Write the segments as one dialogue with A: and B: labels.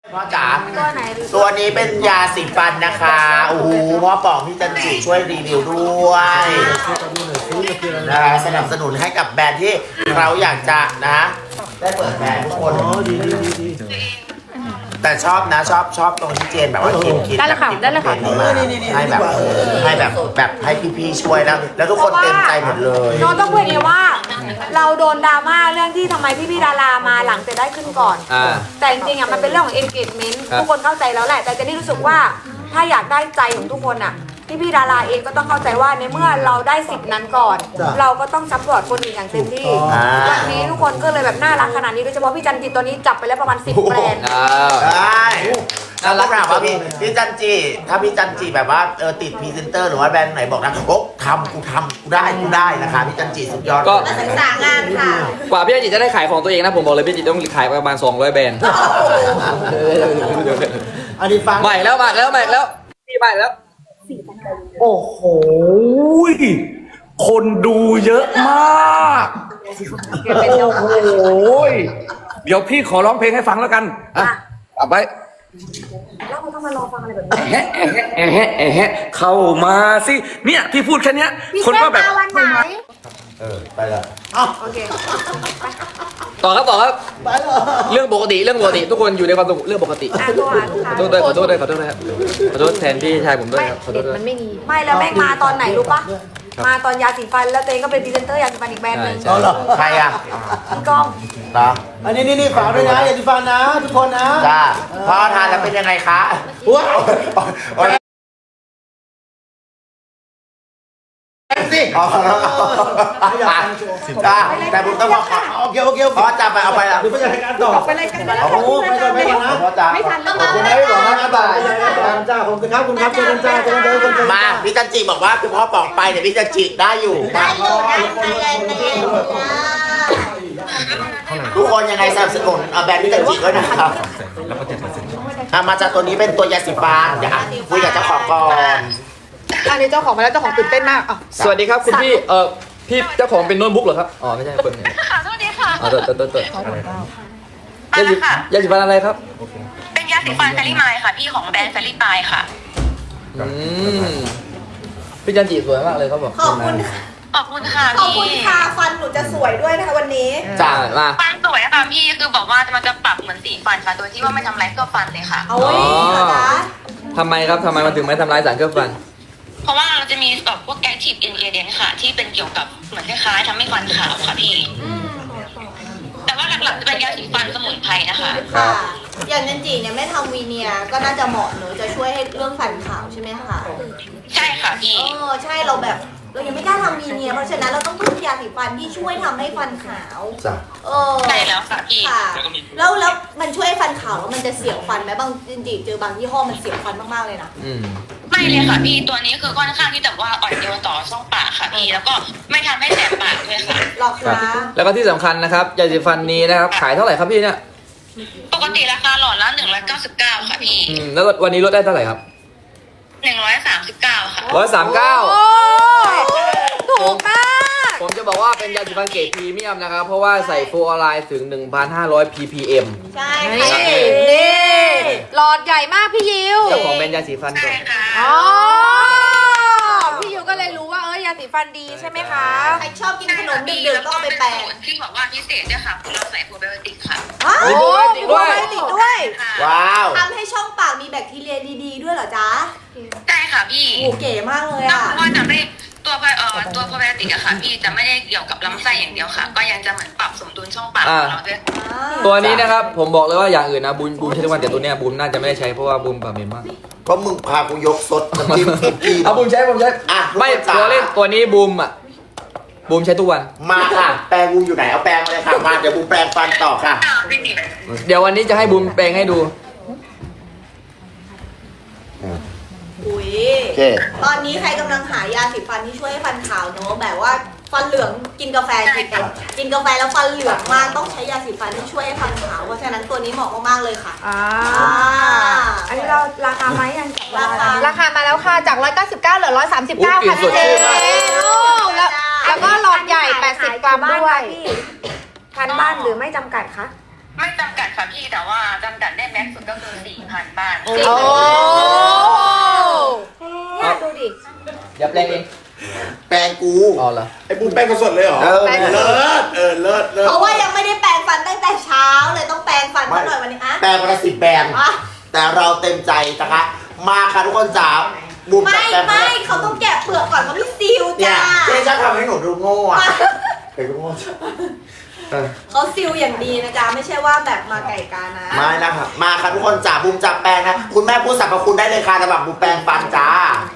A: พ่อจ๋า
B: ตัวไหน
A: ตัวนี้เป็นยาสีฟันนะคะโอ้โหพ่อป๋องพี่จันจีช่วยรีวิวด้วยนะคะสนับสนุนให้กับแบรนด์ที่เราอยากจะนะได้เปิดแบรนด์ทุกคนแต่ชอบนะชอบตรงที่เจนแบบว่าคิด
B: ได้เลยค่ะได้เลยค่ะ
A: ให้แบบให้พี่ๆช่วยแล้วทุกคนเต็มใจหมดเลย
B: น้องต้องพูดอย่างนี้ว่า เราโดนดราม่าเรื่องที่ทำไมพี่ดารามาหลังจะได้ขึ้นก่อน แต่จริงๆอ่ะมันเป็นเรื่องของ engagement ทุกคนเข้าใจแล้วแหละแต่เจนนี่รู้สึกว่าถ้าอยากได้ใจของทุกคนอ่ะพี่ดาราเองก็ต้องเข้าใจว่าในเมื่อเราได้สิทธิ์นั้นก่อน เราก็ต้องซัพพอร์ตคนอื่นอย่างเต็มที่วันนี้ทุกคนก็เลยแบบน่ารักขนาดนี้โดยเฉพาะพี่จันจิตตัวนี้จับไปแล้วประมาณ10แบรนด์
A: ได้แล้วถามว่าพี่จันจีถ้าพี่จันจีแบบว่าติดพรีเซนเตอร์หรือว่าแบรนด์ไหนบอกนะโอ๊ะกูได้นะคะพี่จันจีสุดยอด
C: ก็
D: มาศึกษางานค่ะ
C: กว่าพี่จันจิจะได้ขายของตัวเองนะผมบอกเลยพี่จันจิต้องขายประมาณ200แบรนด์
E: อันนี้ฟัง
C: ใหม่แล้วพี่ใหม่แล้ว
E: โอ้โหคนดูเยอะมากโอ้โหเดี๋ยวพี่ขอร้องเพลงให้ฟังแล้วกันอ่ะเอาไป
B: แล้วเขาต้องมารอฟังอะไรแบบนี้
E: แฮะเข้ามาสิเนี่ยพี่พูดแค่เนี้ย
B: พี่
E: คน
B: แก้
E: ก็
B: ม
E: แบบ
B: มาวันไหน
A: ไปเลย
B: โอเค
C: ต่อครับเรื่องปกติทุกคนอยู่ในความสงบเรื่องปกติ
B: อ่ะตัวอ่าน
C: ขอโทษด้วยขอโทษครับขอโทษแทนพี่ชายผมด้วยครับขอโท
B: เด็
C: ษ
B: ด
C: ด้วย
B: มันไม่มีไม่แล้วแม่งมาตอนไหนรู้ปะมาตอนยาสีฟันแล้วตัวเองก็เป็นพรีเซนเตอร์ยาสีฟันอีกแบรนด์หนึง
C: ใช่
A: ใครอ่ะ
B: พี่ก้อง
A: เหรอ
E: อันนี้ฝากด้วยนะอย่าดิฟันนะทุกคนนะ
A: จ้าพ่อทานแล้วเป็นยังไงคะ
E: ว้าว
A: สิอ๋อจ้าแต่ผมต้องบอก
E: โอเค
A: พ่อจะไปเอาไปละ
E: เดี๋ยวไปจัดการต่อ
B: ไปเลยกันไปแล้ว
E: โอ้โหไปก่อนนะ
A: พ่อจ๋า
B: ไม่ทันแล้ว
E: ขอบคุณนะพี่บอกนะบ่ายจ้าขอบคุณครับคุณครับเจอกันจ้าเจอกันเจอกัน
A: มาพี่จันจีบอกว่าคือพ่อป๋องไปเนี่ยพี่จันจีได้อยู่
D: ได้อยู่ได้เลย
A: ทุกคนยังไงสนับสนุนแบรนด์พี่จันจีด้วยนะครับมาจากตัวนี้เป็นตัวยาสีฟันอยากคุยกับเจ้าของก่อน
B: อันนี้เจ้าของมาแล้วเจ้าของตื่นเต้นมากอ่ะ
C: สวัสดีครับคุณพี่พี่เจ้าของเป็นโน้ตบุ๊กเหรอครับอ๋อไม่ใช่คนเนี่ย
F: ค่ะสวัสดีค่ะ
C: อ๋อเติร์
F: มาแล้วค่ะ
C: ยาสีฟันอะไรครับ
F: เป็นยาสีฟันแฟรี่ไมล์ค่ะ พี่ของแบรนด์แฟรี่ไมล์ค่ะ
C: พี่จันจิสวยมากเลยเขาบอก
D: ขอบคุณค่ะ
F: ขอบคุณค่ะ
D: ขอบ
F: พี่
D: คุณค่ะฟันหนูจะสวยด้วยนะคะวันนี้
C: จ้ามา
F: ฟันสวยค่ะพี่คือบอกว่ามันจะปรับเหมือนสีฟันค่ะ โดยที่ว่าไม่ทำร้ายเครื่องฟันเลยค่ะ
D: เอาไว้เหรอคะ
C: ทำไมมันถึงไม่ทำร้ายสารเคลือบฟัน
F: เพราะว่าเราจะมีแบบพวก active ingredient ค่ะ ที่เป็นเกี่ยวกับเหมือนคล้ายๆทำให้ฟันขาวค่ะพี่ แต่ว่าหลักๆจะเป็นยาสีฟันสมุนไพรนะคะ
D: ค่ะ อย่างนันจีเนี่ยไม่ทำวีเนียก็น่าจะเหมาะเนอะจะช่วยให้เรื่องฟันขาวใช่ไหมคะ
F: ใช่ค่ะพี่
D: ใช่เราแบบเรายังไม่กล้าทำวีเนียเพราะฉะนั้นเราต้องพึ่งยาสีฟันที่ช่วยทำให้ฟันขาว
A: จ้ะ
F: ใช่แล้วค่ะพี่
D: ค่ะแล้วมันช่วยให้ฟันขาวแล้วมันจะเสียวฟันไหมบางจริงๆเจอบางยี่ห้อมันเสียวฟันมากๆเลยนะ
F: ไม่เลยค่ะพี่ ตัวนี้คือค่อนข้างที่จะว่าอ่อนโยนต่อช่องปากค่ะพี่ แล้วก็ไม่ทำให้แสบปากด้วยค่ะ
D: หรอคะ
C: แล้วก็ที่สำคัญนะครับยาสีฟันนี้นะครับขายเท่าไหร่ครับพี่เนี่ย
F: ปกติราคาหลอดละ199ค่ะพี่
C: แล้ววันนี้ลดได้เท่าไหร่ครับ
F: 139ค่ะ
C: 139
B: โอ้ถูกมาก
C: ผมจะบอกว่าเป็นยาสีฟันเกรดพรีเมียมนะครับ เพราะว่าใส่ฟลูออไรด์ถึง 1,500 ppm
D: ใช่
B: นี่
D: ค่ะ
B: หลอดใหญ่มากพี่ยิว
C: เจ้าของแบรนด์ยาสีฟันก่อ
F: ใช่
C: น
F: ค่ะ
B: อ๋อพี่ยิวก็เลยรู้ว่ายาสีฟันดีใช่ไหมคะ
D: ใครชอบกินขนมดึกๆก็เอาไปแปะ
F: ที่บอกว่าพิเศษด้วยค่ะคือเราใส่โปรไบโอติกค่ะ
D: ว้าว
C: มีโปรไบโอติกด้วย
B: มีโปรไบโอติกด้วย
F: ค่ะ
A: ว้าว
D: ทำให้ช่องปากมีแบคทีเรียดีๆด้วยเหรอจ๊ะ
F: ใช่ค่ะพี่
D: โอ้เก๋มากเลย
F: นอก
D: อ่ะ
F: จากว่าจะไม่ตัวโปรไบโอติกอะค่ะพี่จะไม่ได้เกี่ยวกับลำไส้อย่างเดียวค่ะ ก็ยังจะเหมือนปรับสมดุลช่องปากของเราด้วย
C: ตัวนี้นะครับผมบอกเลยว่าอย่างอื่นนะบูมใช้ทุกวันแต่ตัวเนี้ยบูมน่าจะไม่ได้ใช้เพราะว่าบูมปากเหม็นมาก
A: ก็มึงพากูยกสดน้ำจิ้มกิน
C: เอาบูมใช้
A: อ่ะ
C: ไม่
A: ทุกคนจ๋า
C: ตัวเล่นตัวนี้บูมใช้ทุกวัน
A: มาค่ะ แปรงกูอยู่ไหนเอาแปรงมาเลยค่ะมาเดี๋ยวกูแปรงฟันต่อค่ะ
F: พี่ติ๋ม
C: เดี๋ยววันนี้จะให้บูมแปลงให้ดู
D: อุ้ย
A: โอเค
D: ตอนนี้ใครกำลังหายาสีฟันที่ช่วยให้ฟันขาวเนอะแบบว่าฟันเหลืองกินกาแฟกินกาแฟแล้วฟันเหลืองมากต้องใช้ยาสีฟันที่ช่วยให้ฟันขาวเพราะฉะนั้นตัวนี้เหมาะมากๆเลยค่ะ
B: อันนี้เราราคาไหมยัง
D: ราคา
B: มาแล้วค่ะจาก 199เหลือ 139 ค่ะ
C: อุ๊ยกลิ่นสดชื่นมาก
B: แล้วก็หลอดใหญ่ 80 กรัมด้วยทันบ้านหรือไม่จำกัดคะ
F: ไม่จำกัดค่ะพี่แต่ว่าจำกัดได้แม็กซ์สุดก็คือ 4,000 บ้าน
B: โอ้เนี่ยดูดิ
C: อย่าแปลงเอง
A: แปลงกู
C: อ๋อเหรอ
G: ไอ้บุญแป้งสดเลยเหรอ
A: แปลง
G: เลิศเลิศ
D: เพราะว่ายังไม่ได้แปรงฟันตั้งแต่เช้าเลยต้องแปรงฟันเขาหน่อยวันนี้อะ
A: แปลงประสิทธิ์แบรนด์
D: อ่ะ
A: แต่เราเต็มใจนะคะมาค่ะทุกคนจ๋าบุม
D: ไม่
A: จับแปลง
D: ไม่เขาต้องแกะเปลือกก่อนเขาไม่ซิล
A: เนี่ย
D: จ้า
A: เจ๊ชอบทำให้หนูดูโง่อะเคยดูโง่เออ
D: เขาซิลอย่างดีนะจ๊ะไม่ใช่ว่าแบบมาไก่กานะ
A: ไม่นะครับมาค่ะทุกคนจ๋าบุมจับแปลงนะคุณแม่พูดสรรพคุณได้เลยค่ะสำหรับบุมแปลงฟันจ้า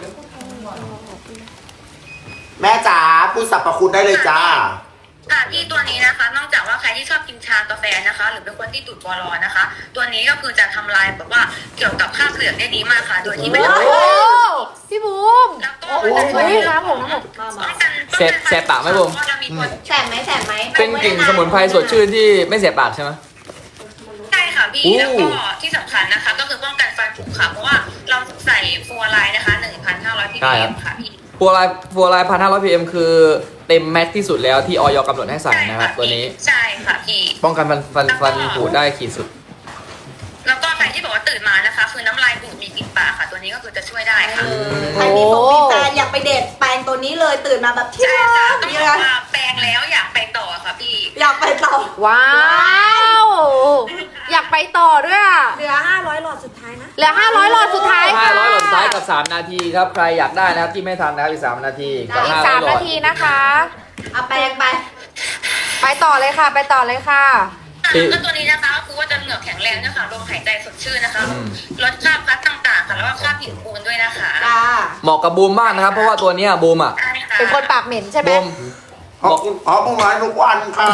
A: แม่จ๋าพูดสรรพคุณได้เลยจ้า
F: ค่ะพี่ตัวนี้นะคะ นอกจากว่าใครที่ชอบกินชากาแฟนะคะ หรือเป็นคนที่ดูดบอลอนนะคะ ตัวนี้ก็คือจะทำลายแบบว่าเกี่ยวกับค่าเกลือได้ดีมากค่ะ โดยที่ไม่ต้อง
B: โอ้พี่บูม
F: แล้วก็มันจะช่วย
B: น้ำผม
C: แสบปากไหมบุ๋ม
F: ก็จะมีตัว
D: แสบไหมแสบไหม
C: เป็นกลิ่นสมุนไพรสดชื่นที่ไม่เสียปากใช่ไหม
F: ใช่ค่ะพี่
C: อู้
F: แล้วก็ที่สำคัญนะคะ ก็คือป้องกันฟันผุค่ะ เพราะว่าเราใส่ฟลูออไรด์นะคะ 1,500 ppm ค่ะพี่
C: ฟัวไลน์1,500 ppm คือเต็มแม็กซ์ที่สุดแล้วที่ออยกำหนดให้ใส่นะครับตัวนี้
F: ใช่ค่ะพี่
C: ป้องกันฟันผุได้ขีดสุด
F: แล้วก็ใครที่บอกว่าตื่นมานะคะ คือน้ำลายบูดมีกลิ่นปากค่ะ ตัวนี้ก็คือจะช่วยได้ค่ะ
D: ใครมีผมมีแฟนอยากไปเดทแปรงตัวนี้เลยตื่นมาแบบที่
F: ใช่
D: รั
F: จ้ะ
D: ก
F: ต้อง
D: นี่
F: บอก
D: นะ
F: ว่าแปรงแล้วอยากไปต่อค่ะพี่
D: อยากไปต่อ
B: ว้าวอยากไปต่อด้วยอ่ะ
D: เหลือ500หลอดสุดท้ายนะ
B: เหลือ500หลอดสุดท้ายค่ะ
C: 500หลอดซ้ายกับ 3 นาทีครับ ใครอยากได้นะครับที่ไม่ทันนะครับอีก 3 นาทีกับ
B: อีก
C: 500
B: 3
C: หลอ
B: นา
C: ด
B: ทีนะคะ
D: เอาแปรงไป
B: ไปต่อเลยค่ะ ไปต่อเลยค่ะ
F: ก็ตัวนี้นะคะก็คือว่าจะเหงือกแข็งแรงด้วยค่ะลมหายใจสดชื่นนะคะลดคราบพลัสต่างๆค่ะแล้วก็คราบผิวปูนด้วยนะคะ
D: จ้า
C: เหมาะกับบูมมากนะครับ เพราะว่าตัวเนี้ยบูมอ่ะ
F: ใช่ค่ะ
B: เป็นคนปากเหม็นใช่ไหม
C: บูม
A: ขอบคุณขอบคุณมาทุกวันค่ะ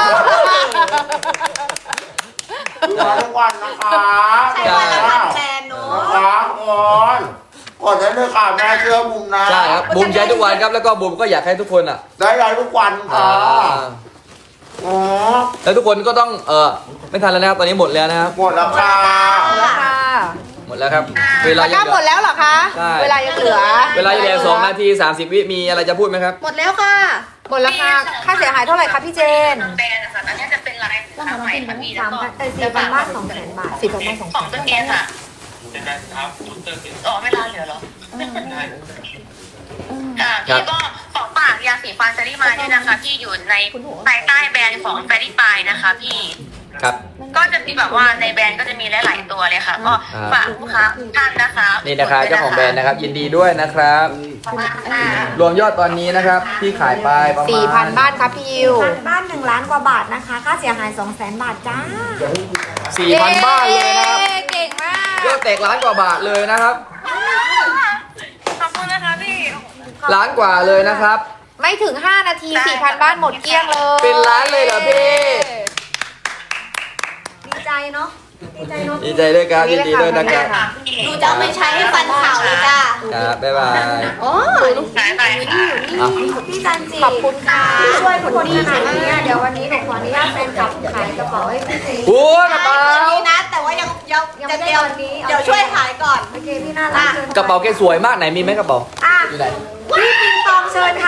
A: มาทุกวันนะคะ
D: ใช้วันละพันแบรนด์เนอะ
A: นะคะกดได้เลยค่ะแม่เชื่อบุมนะ
C: ใช่ครับบูมใช้ทุกวันครับแล้วก็บูมก็อยากให้ทุกคนอ่ะ
A: ได้เลยทุกวันค่ะอ๋อ
C: แล้วทุกคนก็ต้องไม่ทันแล้วนะครับตอนนี้หมดแล้วนะครับ
A: หมดแล้วค่ะ
B: ค่ะ
C: หมดแล้วครับเวลา
B: ตะก
C: ยั
B: ร้าง
C: เห
B: หม
C: ลื
B: ด
C: อ
B: แล้วเหรอคะ
C: ใช่
B: เวลายังเหลือ
C: เวลายังเหลือ2 นาที 30 วิมีอะไรจะพูดไหมครับ
D: หมดแล้วค่ะ
B: หมดแล้วค่ะ ค่าเสียหายเท่าไหร่คะพี่เจน
F: แบรนด์นะคะอันนี้จะเป็นลายสินค้าใหม่ค่ะพี่แล้วก็
B: 4,000 บาท 200,000 บาท 4,000 บาท
F: ของตัวนี้ค่ะอ๋อเวลาเหลือเหรอพี่ก็ของปากยาสีฟันเซรี่มาเนี่ยนะคะที่อยู่ในภายใต้แบรนด์ของแฟรี่ปายนะคะพี่
C: ครับ
F: ก็จะมีแบบว่าในแบรนด์ก็จะมีหลายๆตัวเลยค่ะ ก็ฝากลูกค้าทุกท่านนะคะ
C: นี่นะครับเจ้าของแบรนด์นะครับ ยินดีด้วยนะครับ รวมยอดตอนนี้นะครับที่ขายไปประมาณ
B: 4,000 บาทครับพี่ยิว
H: บ้าน1 ล้านกว่าบาทนะคะ ค่าเสียหาย 200,000 บาทจ้า
C: 4,000 บ้านเลยนะครับ
B: เก่งมาก
C: ยอดแตกล้านกว่าบาทเลยนะครับ
F: ขอบคุณนะคะพี่
C: ล้านกว่าเลยนะครับ
B: ไม่ถึง 5 นาที 4,000 บ้านหมดเกลี้ยงเลย
C: เป็นล้านเลยเหรอพี่
H: ดีใจเนาะ ดีใจเนาะ
C: ดีใจด้วยครับยินดีด้วยนะครับ
D: ดูจะเอาไปใช้ให้ฟันขาวเลยจ้า
C: ครับบ๊ายบาย
B: โอ้
F: สายไปค่ะ
C: อ่ะ
H: พี่จันจี
B: ขอบคุณค่ะ
H: ที่ช่วยทุกคนขนาดนี้เดี๋ยววันนี้หนูขออนุญาตแฟนคลับขายกระเป๋าให้พี่เจ
C: โอ้กระเป๋า
D: ตัวนี้นะ แต่ว่ายัง
H: ยัง
D: จะ
H: ไม่ได้
D: เดียว
H: วันนี้
D: เดี๋ยวช่วยขายก่อน
H: โอเคพี่น่ารักเชิญ
C: กระเป๋าแกสวยมากไหนมีไหมกระเป๋า
H: อ่ะ
C: อยู่ไหน
H: พี่ปิงปองเชิญค่ะ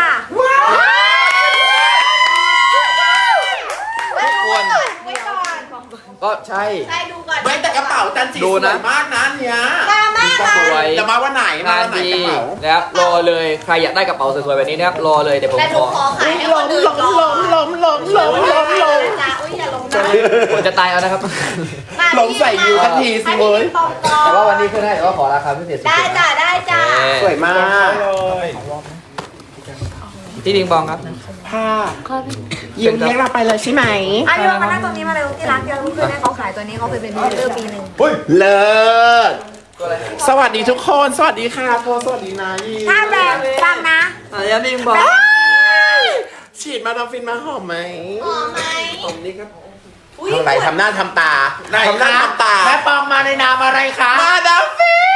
C: ทุกคน
D: ไว้ก่อน
C: ก็ใช่
D: ได้ดูก่อน
G: ไม่แต่กระเป๋าจันจี
C: ดู
G: ส
C: นะ
G: วยมากนะอันเนี้ย
D: มาแม่
C: ก็
D: ค่ะ
C: สวย
G: จะมาวันไหนมาง
C: าน
G: วันไหน
C: ดี
G: กระเป๋า
C: นะครับรอเลยใครอยากได้กระเป๋าสวยๆแบบนี้นะครับรอเลยเดี๋ยวผม
D: แต่หนู
C: ขอ
D: ขอขายให้คนอื่นก่อนจ้าอุ้ยอย่าลงนะ
C: ผมจะตายเอานะครับ
D: มา
G: ลงใส่ยิวทันทีสิเว้ย
D: ให้พี่ปองก่อน
C: แต่ว่าวันนี้ขึ้นให้แต่ว่าขอราคาพิเศษสุดๆ
D: ได้
C: นะ
D: จ้าได้จ้า
C: โอเค
G: สวยมาก
C: พี่ดิงบองครับ
G: ผ้ายืมเลี้ยงเราไปเลยใช่ไหม
H: อ่ะพี่ว่ามานั่งตรงนี้มาเลยที่ร้านที่เราเคยให้เขาขายตัวนี้เขาเคยเป็นพรีเซนเตอร์ปีหนึ่ง
G: เลิศสวัสดีทุกคน สวัสดีค่ะโทสวัสดีนะยี
H: ถ้าแบบฟังนะ
C: อย่าดิงบอง
G: ฉีดมาดามฟินมาหอมไหม
D: หอมไหม
G: หอมนี่ครับ
D: อุ้ย
G: ทำไรทำหน้าทำตาทำหน้าทำตา
A: แม่ปองมาในนามอะไรคะ
G: มาดามฟิน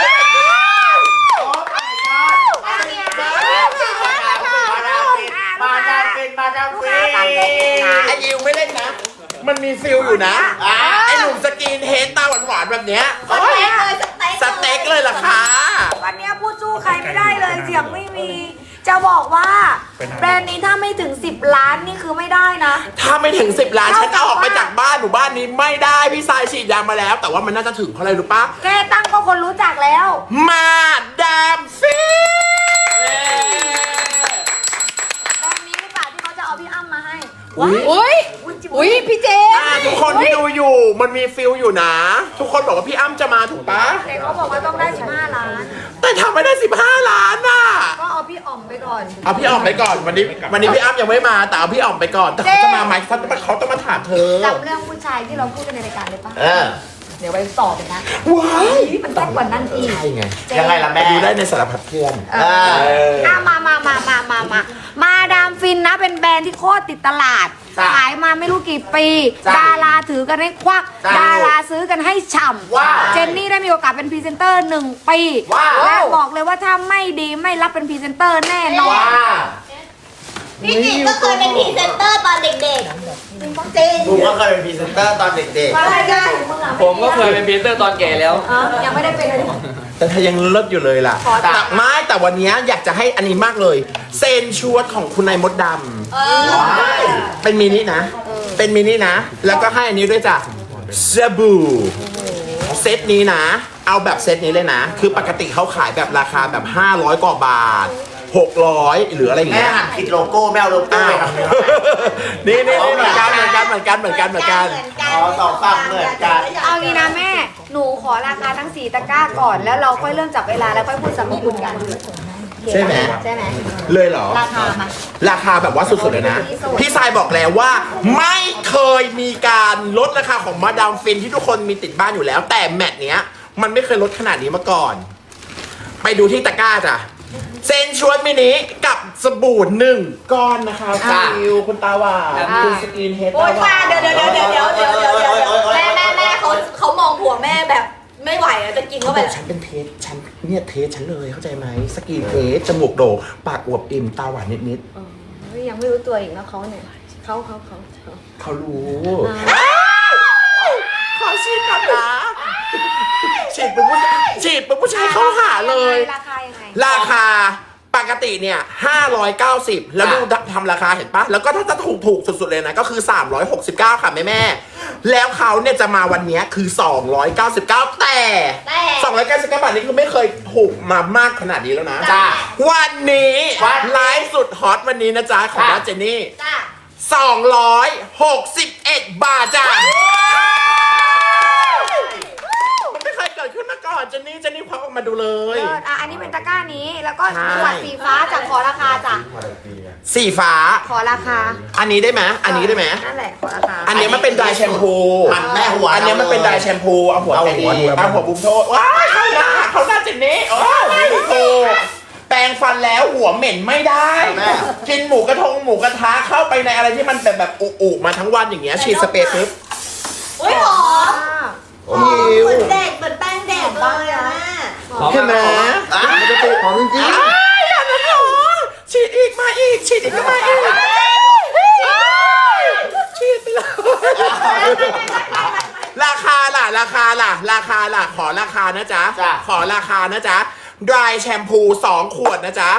A: มาดามฟิน
G: ไอยิวไม่เล่นนะ มันมีฟิลอยู่นะไอหนุ่มสกินเฮดตาหวานๆแบบเนี้ย
D: สเต็กเลย
G: สเต็กเลยล่ะคะ
H: วันเนี้ยพูดสู้ใครไม่ได้เลยเสียงไม่มี จะบอกว่า
B: แบรนด์นี้ถ้าไม่ถึง 10 ล้านนี่คือไม่ได้นะ
G: ถ้าไม่ถึง 10 ล้านฉันจะออกไปจากบ้านหมู่บ้านนี้ไม่ได้พี่ทรายฉีดยามาแล้ว แต่ว่ามันน่าจะถึงเพราะอะไรรู้ปะ
B: แค่ตั้งก็คนรู้จักแล้ว
G: มาดามฟิน
B: แบรนด์นี้หรือเปล่าที่เขาจะเอาพี่อ้ำมาให้
C: อุ้ยพี่เจ
G: ทุกคนที่ดูอยู่มันมีฟิลอยู่นะ ทุกคนบอกว่าพี่อ้ำจะมาถูกปะ
B: แต่เขาบอกว่าต้องได้ 15 ล้าน
G: แต่ทำไม่ได้ 15 ล้านน่ะ
B: ก็เอาพี่อ๋อมไปก่อน
G: เอาพี่อ่อมไปก่อนวันนี้พี่อ้ำยังไม่มาแต่เอาพี่อ่อมไปก่อนแต่เขาจะมาไหมเขาต้องมาถามเธอ
B: จำเรื่องผู้ชายที่เราพูดกันในรายการเลยปะ
A: เออ
B: เดี๋ยวไปสอบเลยนะ
G: ว้าย
B: มันต้องกว่านั้นอีก
G: ใช่ไง
A: ยังไงล่ะแม่
G: ดูได้ในสารพัดเพื่อน
B: เออมาดามฟินนะเป็นแบรนด์ที่โคตรติดตลาด
A: จ้ะ
B: ขายมาไม่รู้กี่ปี
A: จ้ะ
B: ดาราถือกันให้ควัก
A: จ้ะ
B: ดาราซื้อกันให้ฉ่
A: ว้าว
B: ำเจนนี่ได้มีโอกาสเป็นพรีเซนเตอร์1 ปี
A: ว้าว
B: และบอกเลยว่าถ้าไม่ดีไม่รับเป็นพรีเซนเตอร์แน่นอน
A: ว้า
D: พี่จิ๋มก็เคยเป็นพรีเซนเตอร์ตอนเด็กๆจริงจริง
A: กูก็เคยเป็นพรีเซนเตอร์ตอนเด็ก
B: ว่าอะไรกันมึงอะ
C: ผมก็เคยเป็นพรีเซนเตอร์ตอนแก่แล้ว
B: ยังไม่ได้เป็นเลย
G: แต่เธอยังเลิศอยู่เลยล่ะ
B: ขอจ้ะ
G: แต่วันนี้อยากจะให้อันนี้มากเลย เซนชวดของคุณนายมดด
A: ๆ
G: เป็นมินินะ เป็นมินินะ แล้วก็ให้อันนี้ด้วยจ้ะสบู่เซตนี้นะ เอาแบบเซตนี้เลยนะ คือปกติเขาขายแบบราคาแบบ 500 กว่าบาท 600 หรืออะไรอย่าง
A: แม่
G: เงี้ย
A: หันผิดโลโก้แม่เอาโลโก้
G: อ้า
A: ไป
G: ว
A: ทำเลย
G: นี่เหมือนกันเหมือนกันเหมือนกันเหมือนกัน
A: อ๋อสองฝั่งเหมือนกัน
B: เอางี้นะแม่ หนูขอราคาทั้ง4 ตะกร้าก่อน แล้วเราค่อยเริ่มจับเวลาแล้วค่อยพูดสรรพคุณกัน
G: ใช่ไหม
B: ใช่ไหม
G: เลยเหรอ
B: ราคามา
G: ราคาแบบว่าสุดๆเลยนะ พี่ทรายบอกแล้วว่า ไม่เคยมีการลดราคาของมาดามฟินที่ทุกคนมีติดบ้านอยู่แล้ว แต่แมตช์เนี้ยมันไม่เคยลดขนาดนี้มาก่อน ไปดูที่ตะกร้าจ้ะเซนชวดมินิกับสบู่1 ก้อนนะคะ
A: จ้ะ
G: ฟิวคุณตาหวานคุณสกินเฮด
D: โอ๊
G: ตาย หวา
D: ป้าน เดี๋ยวแม่เขามองผัวแม่แบบไม่ไหวอะจะกิน
G: เขา
D: เข้า
G: บ
D: ไป
G: อกฉันเป็นเทสฉันเนี่ยเทสฉันเลยเข้าใจไหมสกินเทสจมูกโด่งปากอวบอิ่มตาหวานนิด
B: ยังไม่รู้ตัวอีกนะเขาเนี่ยเขา
G: ๆเขารู้ขอฉีดก่อนนะฉีดเป็นผู้ชายเข้าหาเลย
B: ราคายังไง
G: ราคาปกติเนี่ย590 แล้วดูทำราคาเห็นปะแล้วก็ถ้าจะถูกสุดๆเลยนะก็คือ 369 ค่ะแม่ๆแล้วเขาเนี่ยจะมาวันเนี้ยคือ 299 แต่299 บาทนี้คือไม่เคยถูกมามากขนาดนี้แล้วนะ
A: จ้ะ
G: วันนี้
A: วันนี้
G: ไลฟ์สุดฮอตวันนี้นะจ๊ะของน้าเจนนี่
D: จ้า
G: 261 บาทจ้ะมันไม่เคยเกิดขึ้นมาก่อนเจนนี่ควักออกมาดูเลย
B: อันนี้เป็นตะกร้านี้ แล้วก็
G: ใช่
B: ขวดสีฟ้าจากขอราคาจ้ะ
G: สีฟ้า
B: ขอราคา
G: อันนี้ได้ไหมอันนี้ได้ไหม
B: นั่นแหละขอราคา
G: อันนี้มันเป็นไดร์แชมพู
A: มันแม่หัว
G: อันนี้มันเป็นไดร์แชมพูเอาหัว
A: เอา
G: แค่
A: หัว
G: นี้เอาหัวบุ้มโทษว้ายเข้าหน้าเจนนี่โอ้ยโอ้แปรงฟันแล้วหัวเหม็นไม่ได้
A: แม่
G: กินหมูกระทะเข้าไปในอะไรที่มันแบบอุมาทั้งวันอย่างเงี้ยฉีดสเปรย์ปุ๊บ
D: อุ้ยหอม
A: โอ้
D: หอม
A: ย
D: เหมือนเด็กเหมือนแป้งเด็กเลยอะแม่
G: เห็นไหม
A: มันจะติดของจริง
G: อ้ายอย่านั้นหรอฉีดอีกมาอีกฉีดอีกก็มาอีกฉีดไปเลยราคาล่ะขอราคานะจ๊ะ
A: จ้ะ
G: ขอราคานะจ๊ะ dry แชมพู 2 ขวดนะจ๊ะ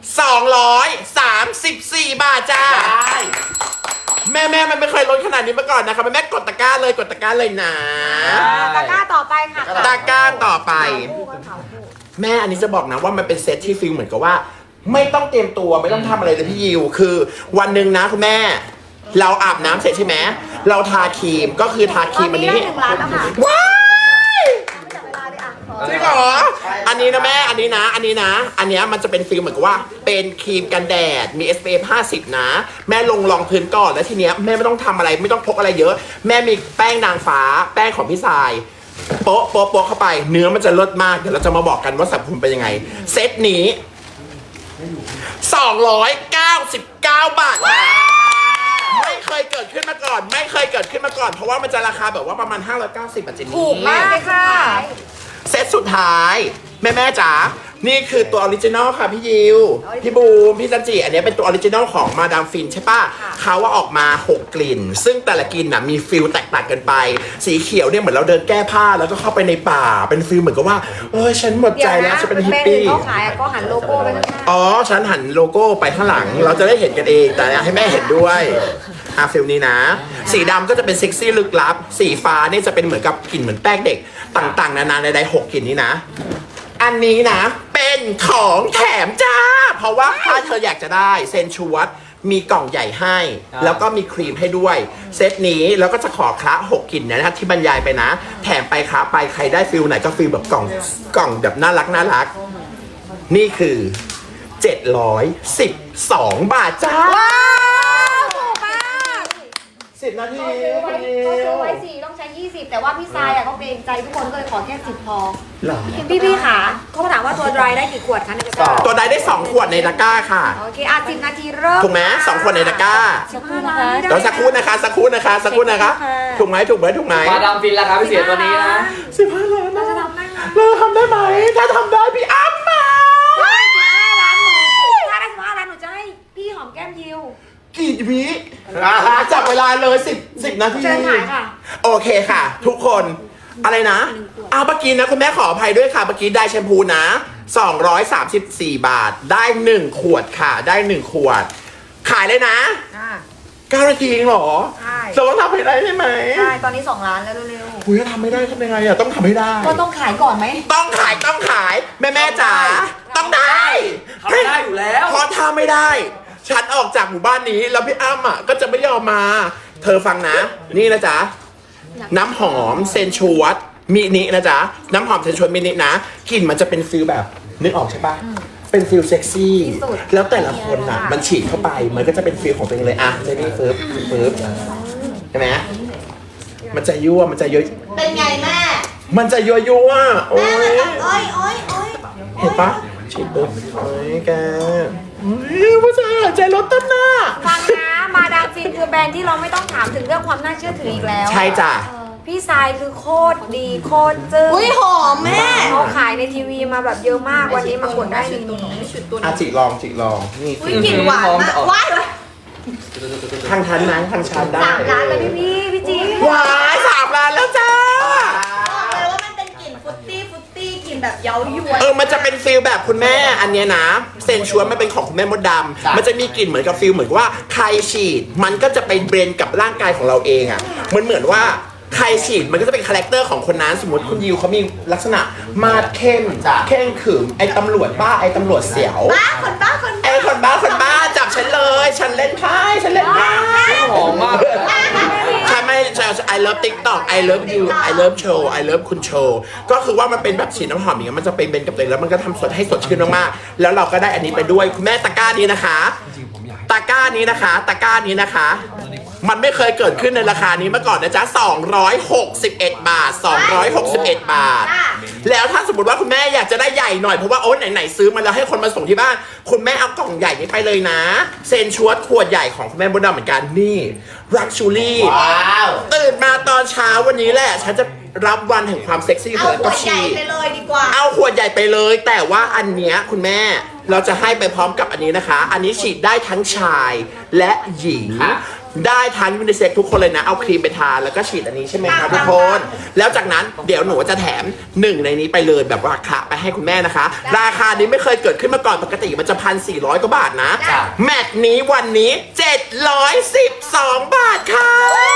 G: 234 บาทจ้า
A: ได้
G: แม่มันไม่เคยลดขนาดนี้มาก่อนนะครับแม่กดตะกร้าเลยนะ
B: ตะกร้าต่อไปค่ะ
G: ตะกร้าต่อไป
B: คู่กันขาวคู่
G: แม่อันนี้จะบอกนะว่ามันเป็นเซตที่ฟิลเหมือนกับว่า ไม่ต้องเตรียมตัวไม่ต้องทำอะไรเลยพี่ยิวคือวันหนึ่งนะคุณแม่ เราอาบน้ำเสร็จใช่ไหมเราทาครีมก็คือทาครีมอันนี้
B: ได้1 ล้านแล้วค่ะ
G: ว้าย
B: จับเวลาด้วยอ่ะ
G: จริงเหรออันนี้นะแม่อันนี้นะอันเนี้ยมันจะเป็นฟิลเหมือนกับว่าเป็นครีมกันแดดมี SPF 50 นะ แม่ลงรองพื้นก่อนแล้วทีเนี้ยแม่ไม่ต้องทำอะไรไม่ต้องพกอะไรเยอะ แม่มีแป้งนางฟ้าแป้งของพี่ทรายโป๊ะเข้าไปเนื้อมันจะเลิศมากเดี๋ยวเราจะมาบอกกันว่าสรรพคุณเป็นยังไงเซตนี้299 บาทค่ะไม่เคยเกิดขึ้นมาก่อนเพราะว่ามันจะราคาแบบว่าประมาณ590บาทเจนนี่
B: ถูกมากเลยค่ะ
G: เซตสุดท้ายแม่จ๋านี่คือตัวออริจินอลค่ะพี่ยิว พี่บูม พี่จันจิอันนี้เป็นตัวออริจินอลของมาดามฟินใช่ปะเขาว่าออกมา 6 กลิ่น ซึ่งแต่ละกลิ่นน่ะมีฟิลแตกต่างกันไป สีเขียวเนี่ยเหมือนเราเดินแก้ผ้าแล้วก็เข้าไปในป่า เป็นฟิลเหมือนกับว่าเอ้ยฉันหมดใจแล้วฉันเป็นฮิป
B: แบรนด์อื่
G: ปี้
B: นเขาขายอะก็หันโลโก้ไปข้างหน้า
G: อ๋อ ฉันหันโลโก้ไปข้างหลัง เราจะได้เห็นกันเอง แต่ให้แม่เห็นด้วยฟิลนี้นะ สีดำก็จะเป็นเซ็กซี่ลึกลับ สีฟ้าเนี่ยจะเป็นเหมือนกับกลิ่นเหมือนแป้งเด็ก ต่างๆ นานาใดๆ6 กลิ่นนี้นะ อันนี้นะเป็นของแถมจ้า เพราะว่าถ้าเธออยากจะได้เซนชวดมีกล่องใหญ่ให้ แล้วก็มีครีมให้ด้วย เซตนี้แล้วก็จะขอคละ6 กลิ่นนะครับที่บรรยายไปนะ แถมไปคละไปใครได้ฟิลไหนก็ฟิลแบบกล่องแบบน่ารัก นี่คือ 712 บาทจ้า
B: ว้าวถูกมาก
G: 10 นาที
H: เขาซื้อไว้4ต้องใช้20แต่ว่าพี่ทรายอะเขาเกรงใจทุกคนก็เลยขอแค่10พอ
G: หรอ
B: พี่ขาเขาถามว่าตัว dry ได้กี่ขวดคะในตะกร้า
G: ตัวใดได้ 2 ขวดในตะกร้าค่ะ
B: โอเค10 นาทีเริ่ม
G: ถูกไหม2 ขวดในตะกร้า
B: 15 ล้าน
G: เดี๋ยวสักครู่นะคะถูกไหม
C: มาดามฟินราคาพิเศษตัวนี้นะ
G: 15 ล้าน
B: เรา
G: นะ
B: จะทำได้ไหม
G: เราทำได้ไหม ถ้าทำได้พี่อ้ำมา
B: 15 ล้านหนูถ้าได้15 ล้านหนูจะให้พี่หอมแก้มยิว
G: กี่วิจับเวลาเลย10 นาที
B: เชิญถ่ายค่ะ
G: โอเคค่ะ ทุกคนอะไรนะเอาเมื่อกี้นะคุณแม่ขออภัยด้วยค่ะเมื่อกี้ได้แชมพูนะ234 บาทได้1 ขวดค่ะได้1 ขวด ขายเลยนะ9 นาทีเองเหรอ
B: ใช่
G: เราต้องทำให้ได้ใช่ไหม
B: ใช่ตอนนี้2 ล้านแล้วเร็ว
G: คุยถ้าทำไม่ได้ทำยังไงอะต้องทำให้ได้
B: ๆก็ต้องขายก่อนไหม
G: ต้องขายแม่จ๋าต้องได้
C: ทำได้อยู่แล้ว
G: เพราะถ้าไม่ได้ ฉันออกจากหมู่บ้านนี้แล้วพี่อ้ำอ่ะก็จะไม่ยอมมา เธอฟังนะ นี่นะจ๊ะน้ำหอมเซนชวดมินินะจ๊ะน้ำหอมเซนชวดมินินะกลิ่นมันจะเป็นฟิลแบบนึกออกใช่ปะเป็นฟิลเซ็กซี่แล้วแต่ละคนอ่ะมันฉีดเข้าไปมันก็จะเป็นฟิลของตัวเองเลยอ่ะเจนี่ฟึบใช่ไหมมันจะยั่วมันจะยั่ว
D: เป็นไงแม่
G: มันจะยั่วโอ้
D: แม่มัน
G: ย
D: แบบโอ้ย
G: เห็นปะฉีดปุ๊บโอ้ยแกผู้ชายหายใจลดต้นหน้า
B: ฟังนะมาดามฟินคือแบรนด์ที่เราไม่ต้องถามถึงเรื่องความน่าเชื่อถืออีกแล้ว
G: ใช่จ้ะ
B: พี่ทรายคือโคตรดีโคตรจึ้ง
D: อุ้ยหอมแม่
B: เขาขายในทีวีมาแบบเยอะมากวันนี้มากดได้ในนี้
G: อ่ะจิลองนี่
D: อุ้ยกลิ่นหวานมากว้าย
G: ทางทันนั้นทางชันได้
B: 3 ล้านแล้วพี่จี
G: ว้าย3 ล้านแล้วจ้า
D: บอกเลยว่ามันเป็นกลิ่นฟรุตตี้กลิ่นแบบเย้ายวน
G: มันจะเป็นฟิลแบบคุณแม่อันเนี้ยนะเซนชวนมันเป็นของคุณแม่มดดำมันจะมีกลิ่นเหมือนกับฟิลเหมือนว่าใครฉีดมันก็จะไปเบรนกับร่างกายของเราเองอ่ะมันเหมือนว่าใครฉีดมันก็จะเป็นคาแรคเตอร์ของคนนั้นสมมติคุณยิวเขามีลักษณะมาดเข้มเข่งขรึมไอ้ตำรวจบ้าไอ้ตำรวจเสียว
D: บ้าคนบ้า
G: ไอ้คนบ้าจับฉันเลย ฉันเล่นไพ่
C: หอมมาก
G: ใช่ไหมI love TikTok I love you I love show I love คุณโชว์ก็คือว่ามันเป็นแบบฉีดน้ำหอมอย่างเงี้ยมันจะเป็นเบนกับตัวเองแล้วมันก็ทำสดให้สดชื่นมากๆแล้วเราก็ได้อันนี้ไปด้วยคุณแม่ตะกร้านี้นะคะตะกร้านี้นะคะ มันไม่เคยเกิดขึ้นในราคานี้มาก่อนนะจ๊ะ261 บาท261 บาท แล้วถ้าสมมติว่าคุณแม่อยากจะได้ใหญ่หน่อยเพราะว่าโอ๊ยไหนๆซื้อมาแล้วให้คนมาส่งที่บ้านคุณแม่เอากล่องใหญ่นี้ไปเลยนะเซนชวดขวดใหญ่ของคุณแม่บดดำเหมือนกันนี่รักชูรี่
A: ว้าว
G: ตื่นมาตอนเช้าวันนี้แหละฉันจะรับวันแห่งความเซ็กซี่ข
D: เอา
G: อง
D: ข
G: ก็
D: วดใหญ่
G: ฉีด
D: ไปเลยดีกว่า
G: เอาขวดใหญ่ไปเลยแต่ว่าอันเนี้ยคุณแม่เราจะให้ไปพร้อมกับอันนี้นะคะ อันนี้ฉีดได้ทั้งชายและหญิง ได้ทั้งยูนิเซ็กทุกคนเลยนะเอาครีมไปทาแล้วก็ฉีดอันนี้ใช่ไหมคะทุกคนแล้วจากนั้นเดี๋ยวหนูจะแถม1ในนี้ไปเลยแบบว่าคะไปให้คุณแม่นะคะ ราคานี้ไม่เคยเกิดขึ้นมาก่อนปกติมันจะ1,400 กว่าบาทนะแมตช์นี้วันนี้712 บาทค่ะ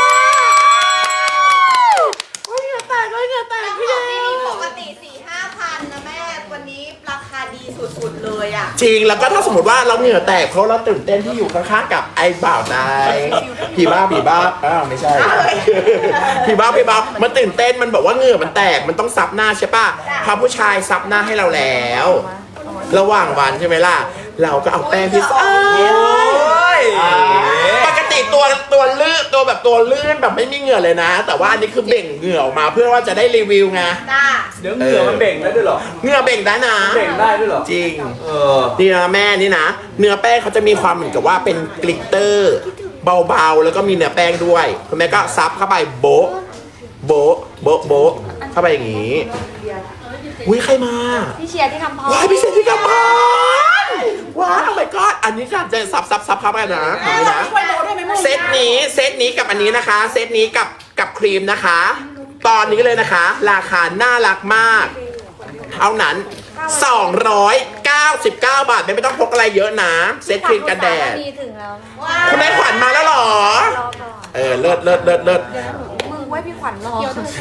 G: เหงื่อแตกพี่
D: แล้ว
G: เด
D: ของที่นี่ปกติ 4-5 พันนะแม่ วันนี้ราคาดีสุดๆเลยอ่ะ
G: จริงแล้วก็ถ้าสมมติว่าเราเหงื่อแตกเพราะเราตื่นเต้นที่อยู่ข้างๆกับไอ้บ่าวนายผีบ้าอ้าวไม่ใช่ผีบ้ามันตื่นเต้นมันบอกว่าเหงื่อมันแตกมันต้องซับหน้าใช่ป่ะพาผู้ชายซับหน้าให้เราแล้ว ระหว่างวันใช่ไหมล่ะเราก็เอาแป้งพิซซ่าปกติตัวลื่นตัวแบบตัวลื่นแบบไม่มีเหงื่อเลยนะ แต่ว่าอันนี้คือเบ่งเหงื่อออกมาเพื่อว่าจะได้รีวิวไง
D: จ้า
C: เดี๋ยวเหงื่อมันเบ่งได้ด้วยเหรอ
G: เหงื่อเบ่งได้นะ
C: เบ่งได้ด้วยเหรอ
G: จริง
C: อ
G: นี่นะแม่นี่นะเนื้อแป้งเขาจะมีความเหมือนกับว่าเป็นกลิตเตอร์เบาๆแล้วก็มีเนื้อแป้งด้วยคุณแม่ก็ซับเข้าไปโบ๊ะเข้าไปอย่างนี้อุ้ยใครมา
B: พี่เชียร์ที่ทำพอ
G: ว้ายพี่เชนที่กำพันว้าว oh my god อันนี้ค่ะจะซับครับกันนะอันนี้นะเซตนี้กับอันนี้นะคะ เซตนี้กับครีมนะคะ ตอนนี้เลยนะคะ ราคาน่ารักมาก เท่านั้น 299 บาทไม่ต้องพกอะไรเยอะนะ เซตครีมกันแดด
B: ดีถึงแล้ว
G: คุณแม่ขวัญมาแล้วเหรอ
B: รอก่อน
G: เลิศ
B: มึงไว้พี่ขวัญรอ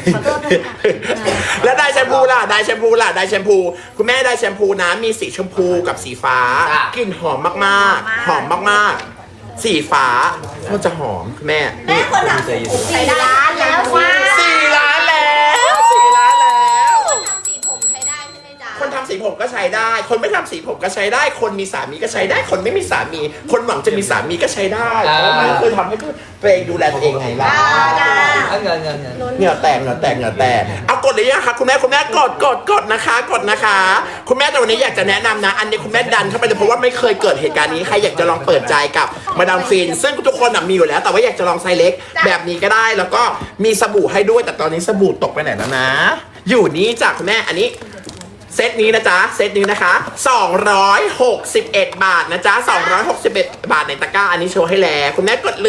G: แล้วได้แชมพูล่ะได้แชมพูคุณแม่ได้แชมพูนะมีสีชมพูกับสีฟ้า
A: จ้ะ
G: กลิ่นหอมมากๆหอมมากๆสีฟ้าก็จะหอมคุณแม่
D: แม่คนทำผมใช้ได้แล้วว่า
G: 4 ล้านแล้ว4 ล้านแล้ว
D: ทำสีผมใช้ได้ใช่ไหมจ๊ะ
G: คนทำสีผมก็ใช้ได้ คนไม่ทำสีผมก็ใช้ได้ คนมีสามีก็ใช้ได้ คนไม่มีสามี คนหวังจะมีสามีก็ใช้ได้เพราะมันคือทำให้ตัวเองดูแลตัวเองไงล่ะ
C: เงิน
G: เหงื่อแตกเอากดเลยนะคะคุณแม่กดนะคะคุณแม่แต่วันนี้อยากจะแนะนำนะ อันนี้คุณแม่ดันเข้าไปเลยเพราะว่าไม่เคยเกิดเหตุการณ์นี้ใครอยากจะลองเปิดใจกับมาดามฟินซึ่งทุกคนมีอยู่แล้ว แต่ว่าอยากจะลองไซส์เล็กแบบนี้ก็ได้ แล้วก็มีสบู่ให้ด้วยแต่ตอนนี้สบู่ตกไปไหนแล้วนะ อยู่นี่จากคุณแม่อันนี้เซตนี้นะจ๊ะเซตนี้นะคะ261 บาทนะจ๊ะ261 บาทในตะกร้าอันนี้โชว์ให้แล้วคุณแม่กดเลย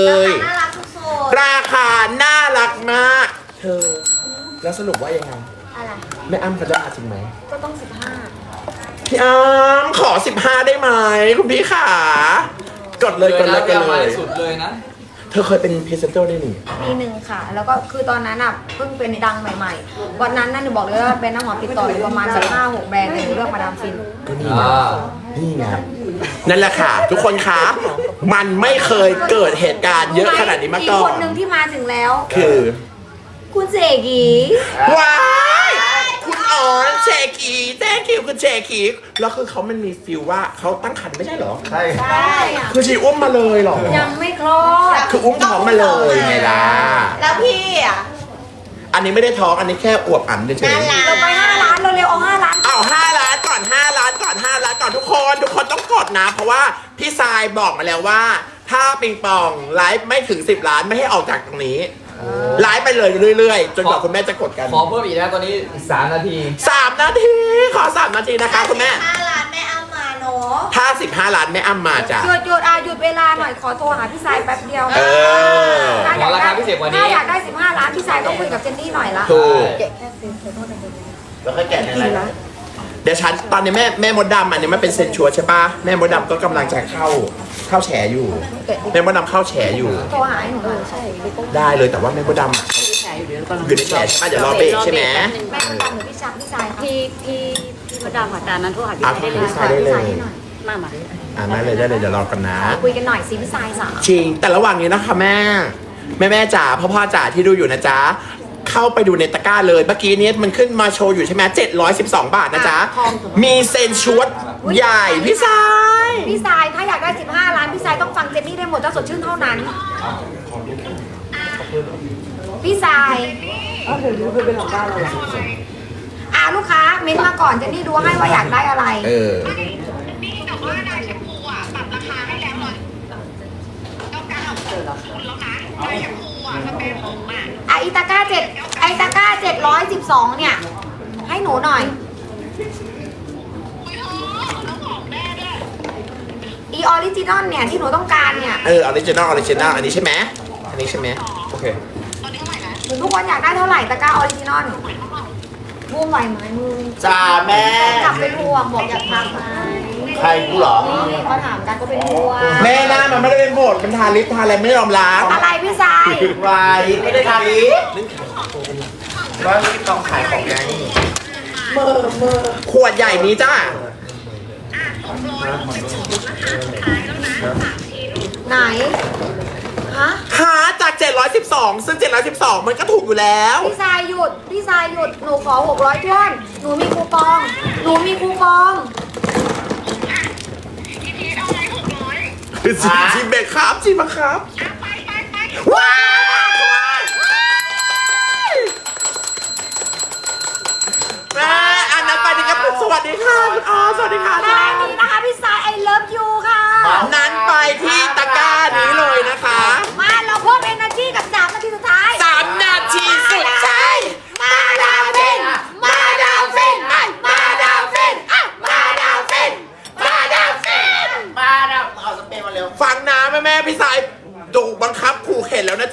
D: น่ารักทุกคน
G: ราคาน่ารักมาก เธอ แล้วสรุปว่ายังไง
B: อะไร
G: แม่อ้ำเขาจะมาจริงไหม
B: ก็ต้อง
G: พี่อ้ำขอ 15 ได้ไหมคุณพี่ขากดเลยกดเลย
C: สุดเลยนะ
G: เธอเคยเป็นพรีเซนเตอร์ได้หนึ่ง
B: ปีหนึ่งค่ะ แล้วก็คือตอนนั้นอ่ะเพิ่งเป็นดังใหม่ๆ วันนั้นน่ะหนูบอกเลยว่าเป็นน้ำหอมติดต่ออยู่ประมาณสัก5-6 แบรนด์แต่หนูเลือกมาดามฟิน
G: ก็นี่ไงนี่ไงนั่นแหละค่ะ ทุกคนคะมันไม่เคยเกิดเหตุการณ์เยอะขนาดนี้มาก่อ
B: อีกคน นหนึ่งที่มาถึงแล้ว
G: คือ
B: คุณเสกี
G: ว้ายคุณอ๋อนเชคีแจ้งคิวคุณเชคีแล้วคือเขามันมีฟิลว่าเขาตั้งครรภ์ไม่ใช่เหรอ
A: ใช่
B: ใช่
G: คือชีอุ้มมาเลยเหรอ
B: ยังไม่คลอด
G: คืออุ้มท้องมาเลยไงล่ะ
D: แล้วพี่อ่ะ
G: อันนี้ไม่ได้ท้องอันนี้แค่อวบอันเฉย
B: เราไป5 ล้านเร็วๆเอา5 ล้าน
G: ๆเอา5 ล้านก่อน5 ล้านก่อน5 ล้านก่อนทุกคนต้องกดนะ เพราะว่าพี่ทรายบอกมาแล้วว่า ถ้าปิงปองไลฟ์ไม่ถึง10 ล้านไม่ให้ออกจากตรงนี้ไลฟ์ไปเลยเรื่อยๆ จนกว่าคุณแม่จะกดกัน
C: ขอเพิ่มอีกนะตอนนี้อีก3 นาที
G: 3 นาทีขอ3 นาทีนะคะคุณแม่
D: 5 ล้านแม่อ้ำมาเนาะ
G: ถ้า15 ล้านแม่อ้ำมาจ้ะ
B: หยุดเวลาหน่อยขอโทรหาพี่สายแป๊บเดียว
G: เออ
C: ขอราคาพิเศษกว่านี้
B: ถ้าอยากได้15 ล้านพี่สายต้องคุยกับเจนนี่หน่อยละ
G: ถูก
A: แล้วค่อยแกะในไลฟ์
G: เดี๋ยวฉันตอนนี้แม่มดดำอันนี้มันเป็นเซนชัวร์ใช่ปะแม่มดดำก็กำลังจะเข้าแฉอยู่แม่มดดำเข้าแฉอยู่
B: โทรหาให้หนูหน่อย
G: ได้เลยแต่ว่าแม่มดดำอะอยู่ในแฉใช่ปะเดี๋ยวรอเบรกใช่ไหม
B: แม่ต้องการหนูพี่ชักพี่สายค่ะ
H: พี่มดดำค่ะจานนั้นโทรหาพี่
G: อ่ะ
H: ได้เลย
G: พี่สายได้เลย
H: มา
G: ได้เลยเดี๋ยวรอกันนะ
B: คุยกันหน่อยสิพี่สายสาว
G: จริงแต่ระหว่างนี้นะคะแม่จ๋าพ่อจ๋าที่ดูอยู่นะจ๊ะเข้าไปดูในตะกร้าเลยเมื่อกี้นี้มันขึ้นมาโชว์อยู่ใช่ไหม712 บาทนะจ๊ะมีเซนชวดใหญ่พี่สาย
B: พี่สายถ้าอยากได้15 ล้านพี่สายต้องฟังเจนนี่ได้หมดเจ้าสดชื่นเท่านั้นพี่สายลูกค้าเม้นต์มาก่อนเจนนี่ดูให้ว่าอยากได้อะไร
G: เออ
F: นี่แต่ว่าได้แชมพูอ่ะปรับราคาให้แล้วเลยต้องการเอาคุณแล้วนะได้แชมพูอ่ะสเปรย์ผมอ่ะ
B: ไอตาก้า712เนี่ยให้หนูหน่อย อีออริจินอลเนี่ยที่หนูต้องการเนี่ย
G: ออริจินอลอันนี้ใช่ไหมอันนี้ใช่ไหมโอเค
B: ทุกคนอยากได้เท่าไหร่ตะกร้าออริจินอลบูมไหวไหมมึง
A: จ้าแม่
B: กลับเป็นห่วงบอกอยากพักไหม
A: ใครกูเหรอ
B: นี่เขาถามกันก็เป็นห่วง
G: แม่หน้ามันไม่ได้เป็นโบดเป็นทาลิปทาอะไรไม่ยอมล้าง
B: อะไรพี่สาย
A: วายไม่ได้ทาลิปว่าลิปต้องขายของไง
G: ขวดใหญ่นี้จ้า
B: ไหนฮะ
G: หาจาก 712 ซึ่ง 712 มันก็ถูกอยู่แล้ว
B: พี่สายหยุดหนูขอ600ท้วนหนูมีคูปอง
G: จิมเบรกครับจิมมาครับว้าวแม่อันนั้นไปดีครับสวัสดีค่ะคุณอ๋อสวัสดีค่ะ
B: แค่นี้นะคะพี่สาย I love you ค่ะ
G: นั้นไปที่ตะกร้านี้เลยนะคะ
B: มาเราเพิ่ม energy กับ3 นาทีสุดท้าย
G: 3 นาทีสุดท้าย
B: มาดามฟิน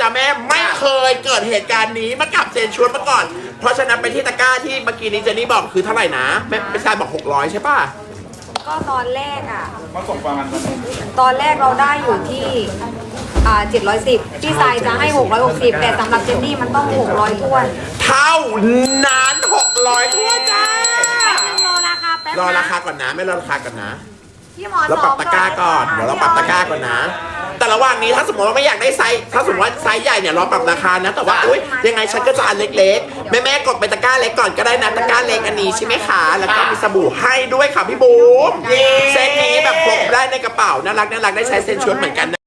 G: นะแม่ไม่เคยเกิดเหตุการณ์นี้มากับเซนชวนมาก่อน เพราะฉะนั้นไปที่ตะกร้าที่เมื่อกี้นี้เจนนี่บอกคือเท่าไหร่นะแม่ไปชายบอก600ใช่ป่ะ
B: ก็ตอนแรกอ่ะตอนแรกเราได้อยู่ที่710พี่ทรายจะให้660แต่สำหรับเจนนี่มันต้อง600ท้วน
G: เท่านั้น600ทั่วจ้า
B: รอราคาแป๊บ
G: รอ
B: นะ
G: ราคาก่อนนะไม่รอราคาก่อนนะ
B: พี่หมอ
G: เราปรับตะกร้าก่อนเดี๋ยวเราปรับตะกร้าก่อนนะ แต่ระหว่างนี้ถ้าสมมติว่าไม่อยากได้ไซส์ถ้าสมมติว่าไซส์ใหญ่เนี่ยเราปรับราคานะแต่ว่าอุ้ยยังไงฉันก็จะอันเล็กๆแม่ๆกดไปตะกร้าเล็กก่อนก็ได้นะตะกร้าเล็กอันนี้ใช่ไหมคะแล้วก็มีสบู่ให้ด้วยค่ะพี่บูมเซตนี้แบบพกได้ในกระเป๋าน่ารักได้ใช้เซนชวดเหมือนกันนะ